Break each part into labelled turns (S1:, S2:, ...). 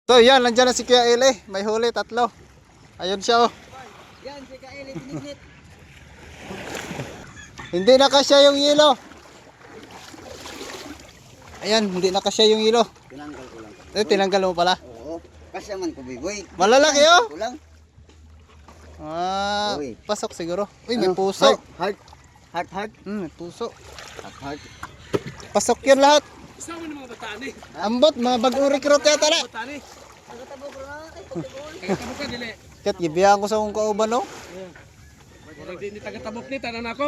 S1: So yan, nandiyan na si Kuya Eli. May huli, 3. Ayun siya oh.
S2: Yan, si Kuya Eli, pinignit.
S1: Hindi na kasya yung yelo. Ayan, hindi na kasya yung yelo.
S2: Tinanggal ko lang.
S1: Tinanggal mo pala.
S2: Oo, kasya man ko, biboy.
S1: Malalaki oh.
S2: Ko lang. Uy.
S1: Pasok siguro. Uy, may
S2: Ano?
S1: puso.
S2: Heart.
S1: May puso.
S2: Heart.
S1: Pasok yan lahat.
S3: Isa mo ng mga batani.
S1: Ambot, mga bagong recruit yata na.
S3: Batani.
S2: Nagtatabo ko na. Ay, pagkagoon.
S3: Tagatabo ka dili.
S1: Kat, gibihan ko sa kong kauban oh.
S3: Wala din tagatabo ni tanan ako.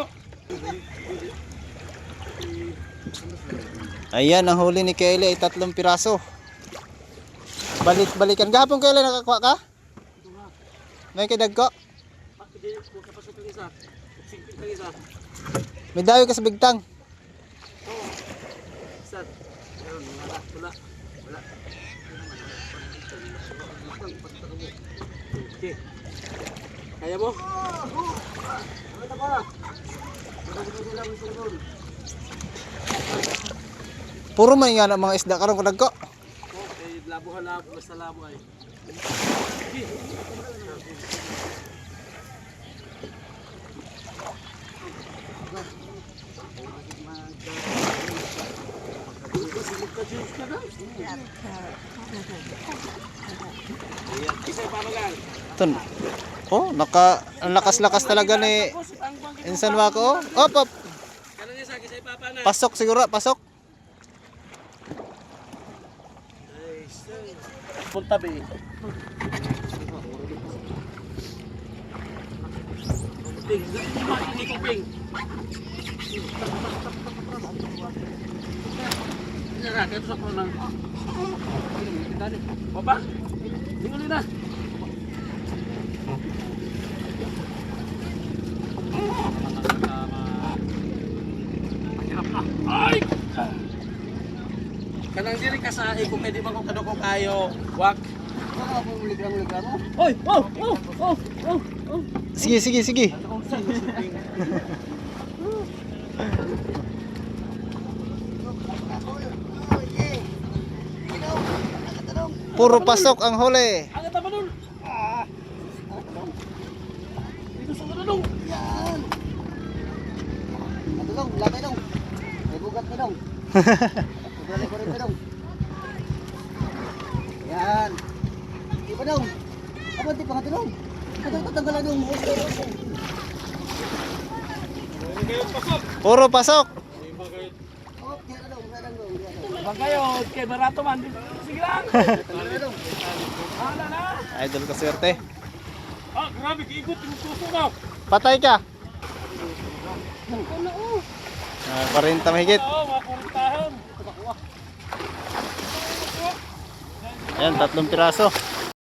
S1: Ayan, ang huli ni Kelly ay 3 piraso. Balikan. Gahapon Kelly, nakakuha ka? May kidag ko?
S3: Kapasok ang isa. Singpit ang isa.
S1: May dawi ka sa bigtang.
S3: Isa. Wala. Okay. Kaya mo?
S1: Puro man nga na mga isda karon kudag ko.
S3: Okay, labo basta labo ay.
S1: Ton. Oh, ang lakas-lakas talaga ni Insan Wako. Oh, op. Pasok siguro, pasok.
S3: Punta be. Ping. Nara, kaya sa ko nang. Baba. Tingnan na. Ay! Kanang diri ka sa iko kay di ba ko kadoko kayo. Wak.
S2: Ano ako muligram mo?
S3: Oy! Oh!
S1: Sige. Puro pasok ang huli.
S3: Ang tama nun. Dito sa dong.
S2: Yan. Matulong, laki dong. May bugat na dong. Sobrang ko rin dong. Yan. Di ba dong? Ako di pa nga dong. Tatanggalan dong.
S1: Puro pasok.
S2: Oh, yan na dong.
S3: Bagayo, kay barato man. Sige lang. Hala na.
S1: Idol ko swerte.
S3: Ah, grabe kiikot yung puso mo.
S1: Patay ka.
S3: Ano oh?
S1: 40 mahigit.
S3: Oo, makurtahan.
S1: Ayan, 3 piraso.